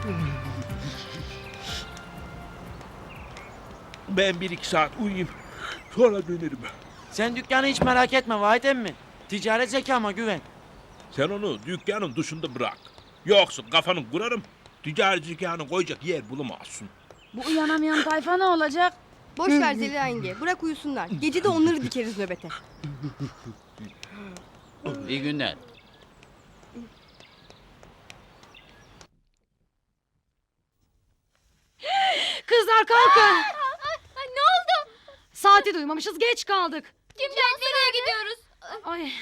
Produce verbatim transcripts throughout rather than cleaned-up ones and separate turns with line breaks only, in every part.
Ben bir iki saat uyuyayım. Sonra dönerim.
Sen dükkanı hiç merak etme Vahit emmi. Ticaret zekama güven.
Sen onu dükkanın dışında bırak. Yoksa kafanı kurarım. Ticari zekanı koyacak yer bulamazsın.
Bu uyanamayan tayfa ne olacak?
Boş ver Zeliha yenge. Bırak uyusunlar. Gece de onları dikeriz nöbete.
İyi günler.
Kızlar kalkın.
Ne oldu?
Saati duymamışız, geç kaldık.
Kimden nereye gidiyoruz?
Ay.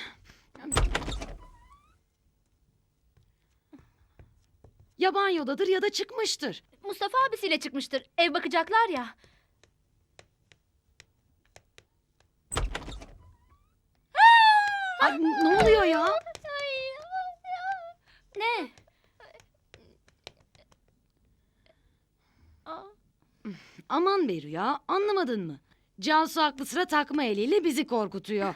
Ya banyodadır ya da çıkmıştır.
Mustafa abisiyle çıkmıştır. Ev bakacaklar ya.
Ay, ne oluyor ya?
Ne?
Aman be Rüya, anlamadın mı? Cansu aklı sıra takma eliyle bizi korkutuyor.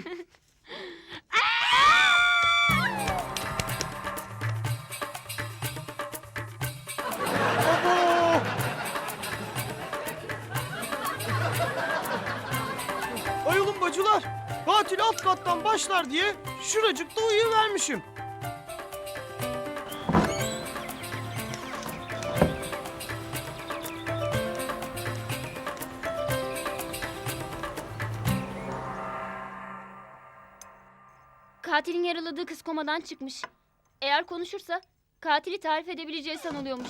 Ay oğlum bacılar, katil alt kattan başlar diye şuracıkta uyuvermişim.
Katilin yaraladığı kız komadan çıkmış. Eğer konuşursa katili tarif edebileceği sanılıyormuş.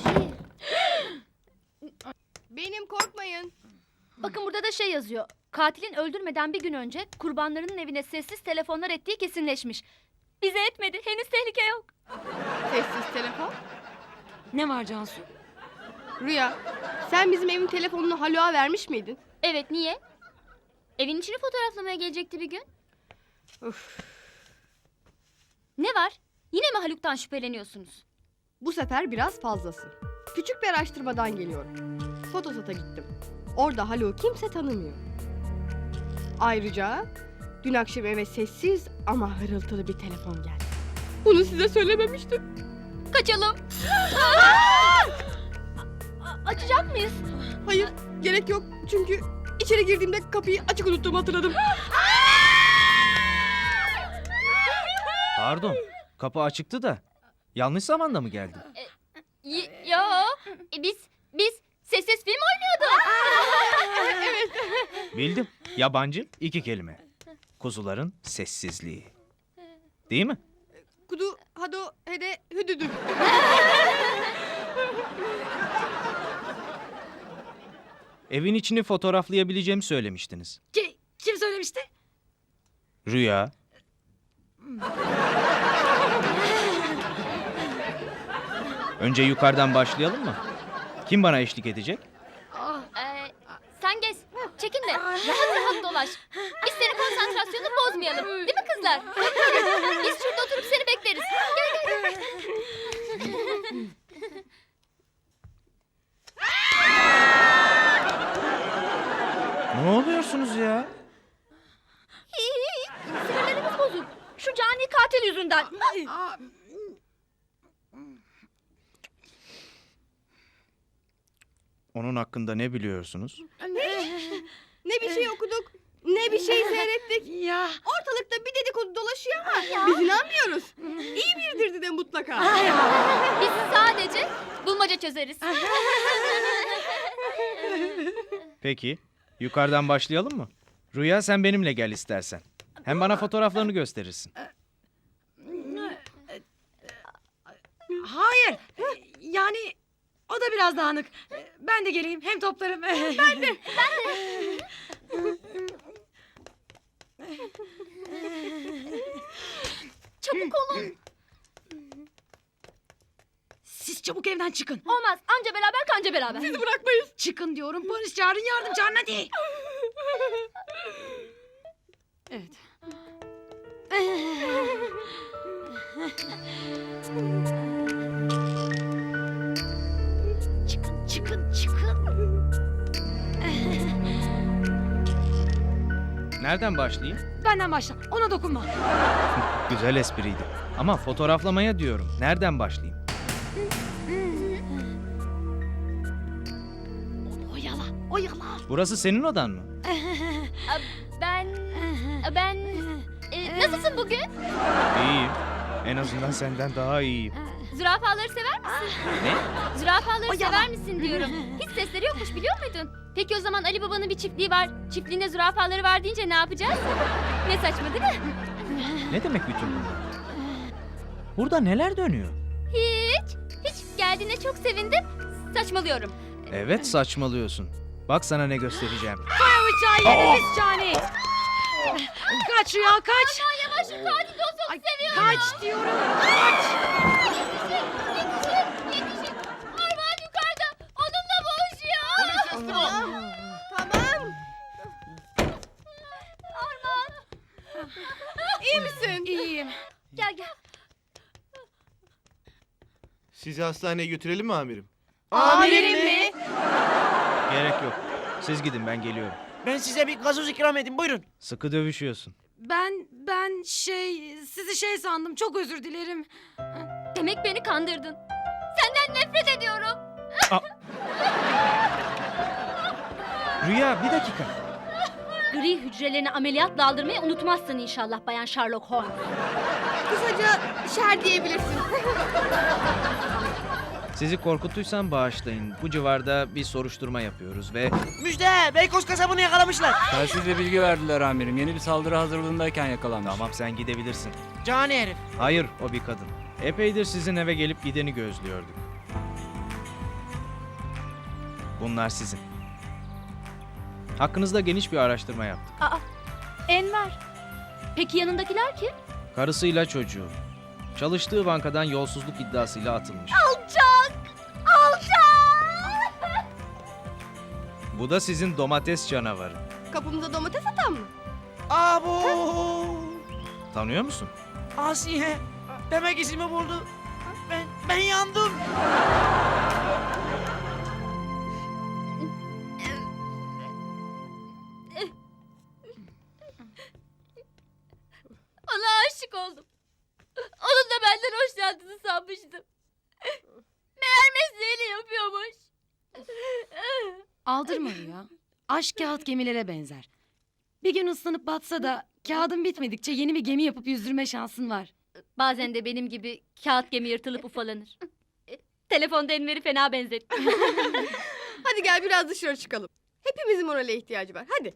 Benim, korkmayın.
Bakın burada da şey yazıyor. Katilin öldürmeden bir gün önce kurbanlarının evine sessiz telefonlar ettiği kesinleşmiş. Bize etmedi. Henüz tehlike yok.
Sessiz telefon.
Ne var Cansu?
Rüya, sen bizim evin telefonunu Haluk'a vermiş miydin?
Evet, niye? Evin içini fotoğraflamaya gelecekti bir gün.
Öf.
Ne var? Yine mi Haluk'tan şüpheleniyorsunuz?
Bu sefer biraz fazlası. Küçük bir araştırmadan geliyorum. Fotosat'a gittim. Orada Haluk'u kimse tanımıyor. Ayrıca dün akşam eve sessiz ama hırıltılı bir telefon geldi. Bunu size söylememiştim.
Kaçalım. Açacak mıyız?
Hayır, gerek yok. Çünkü içeri girdiğimde kapıyı açık unuttuğumu hatırladım.
Pardon, kapı açıktı da. Yanlış zamanda mı geldim?
Y- yo. E, biz biz sessiz film oynuyorduk.
Bildim. Yabancı iki kelime. Kuzuların sessizliği. Değil mi?
Kudu, hado, hede, hüdüdü.
Evin içini fotoğraflayabileceğimi söylemiştiniz.
Ki, kim söylemişti?
Rüya. Önce yukarıdan başlayalım mı? Kim bana eşlik edecek?
Ee, sen gez. Çekin de rahat rahat dolaş. Biz senin konsantrasyonunu bozmayalım. Değil mi kızlar? Biz şurada oturup seni bekleriz. Gel gel.
Ne oluyorsunuz ya?
Sinirlerimiz bozuk. Şu cani katil yüzünden.
Onun hakkında ne biliyorsunuz?
Ne bir şey okuduk, ne bir şey seyrettik.
Ya.
Ortalıkta bir dedikodu dolaşıyor ama biz inanmıyoruz. İyi biridir de mutlaka.
Biz sadece bulmaca çözeriz.
Peki, yukarıdan başlayalım mı? Rüya sen benimle gel istersen. Hem bana fotoğraflarını gösterirsin.
Hayır. Yani o da biraz dağınık. Ben de geleyim, hem toplarım. Ben de.
Çabuk olun.
Siz çabuk evden çıkın.
Olmaz. Anca beraber kanca beraber.
Sizi bırakmayız.
Çıkın diyorum, polis çağırın, yardım çağırın hadi. Evet. Çıkın, çıkın, çıkın.
Nereden başlayayım?
Benden başla, ona dokunma.
Güzel espriydi. Ama fotoğraflamaya diyorum. Nereden başlayayım?
Oyala.
Burası senin odan mı?
Ben... Ben... E, nasılsın bugün?
İyiyim. En azından senden daha iyiyim.
Zürafaları sever misin?
Ne?
Zürafaları sever misin diyorum. Hiç sesleri yokmuş biliyor muydun? Peki o zaman Ali Baba'nın bir çiftliği var. Çiftliğinde zürafaları var deyince ne yapacağız? Ne saçma değil mi?
Ne demek bütün bunlar? Burada neler dönüyor?
Hiç. Hiç geldiğine çok sevindim. Saçmalıyorum.
Evet, saçmalıyorsun. Bak sana ne göstereceğim.
Bıçağı yediniz Cani. Kaç Rüya kaç.
Aman yavaş şu katil dostunu
Ay,
seviyorum.
kaç diyorum. Kaç.
Yetişin, yetişin, yetişin. Armağan yukarıda. Onunla boğuşuyor.
Tamam.
Armağan.
İyi misin?
İyiyim.
Gel gel.
Sizi hastaneye götürelim mi amirim?
Amirim mi?
Gerek yok. Siz gidin, ben geliyorum.
Ben size bir gazoz ikram edeyim buyurun.
Sıkı dövüşüyorsun.
Ben ben şey sizi şey sandım. Çok özür dilerim.
Demek beni kandırdın. Senden nefret ediyorum.
Rüya, bir dakika.
Gri hücrelerini ameliyatla aldırmayı unutmazsın inşallah Bayan Sherlock Holmes.
Kısaca şer diyebilirsin.
Sizi korkuttuysam bağışlayın. Bu civarda bir soruşturma yapıyoruz ve...
Müjde Beykoz kasabını yakalamışlar.
Telsizle bilgi verdiler amirim. Yeni bir saldırı hazırlığındayken yakalanmış.
Tamam, sen gidebilirsin.
Cani herif.
Hayır, o bir kadın. Epeydir sizin eve gelip gideni gözlüyorduk. Bunlar sizin. Hakkınızda geniş bir araştırma yaptık.
Enver. Peki yanındakiler kim?
Karısıyla çocuğu. Çalıştığı bankadan yolsuzluk iddiasıyla atılmış.
Alçak! Alçak!
Bu da sizin domates canavarı.
Kapımıza domates atan mı?
Abo.
Tanıyor musun?
Asiye. Demek izimi buldu. Ben, ben yandım.
Ona aşık oldum. Onun da benden hoşlandığını sanmıştım. Meğer mesleğini yapıyormuş.
Aldırma Rüya. Aşk kağıt gemilere benzer. Bir gün ıslanıp batsa da kağıdın bitmedikçe yeni bir gemi yapıp yüzdürme şansın var.
Bazen de benim gibi kağıt gemi yırtılıp ufalanır. Telefonda Enver'i fena benzetti.
Hadi gel biraz dışarı çıkalım. Hepimizin morale ihtiyacı var. Hadi.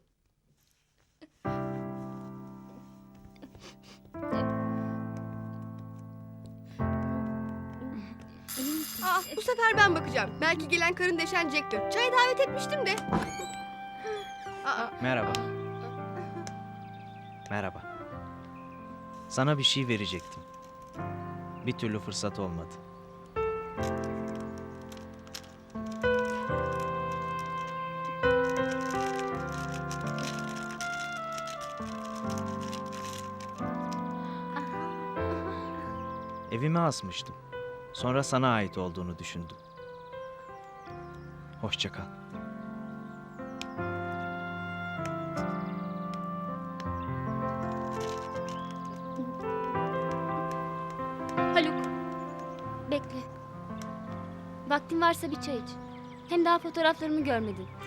Aa, bu sefer ben bakacağım. Belki gelen karın deşen Jack'tir. Çaya davet etmiştim de. Aa,
Merhaba. Merhaba. Sana bir şey verecektim. Bir türlü fırsat olmadı. Evime asmıştım. Sonra sana ait olduğunu düşündüm. Hoşça kal.
Haluk. Bekle. Vaktin varsa bir çay iç. Hem daha fotoğraflarımı görmedin.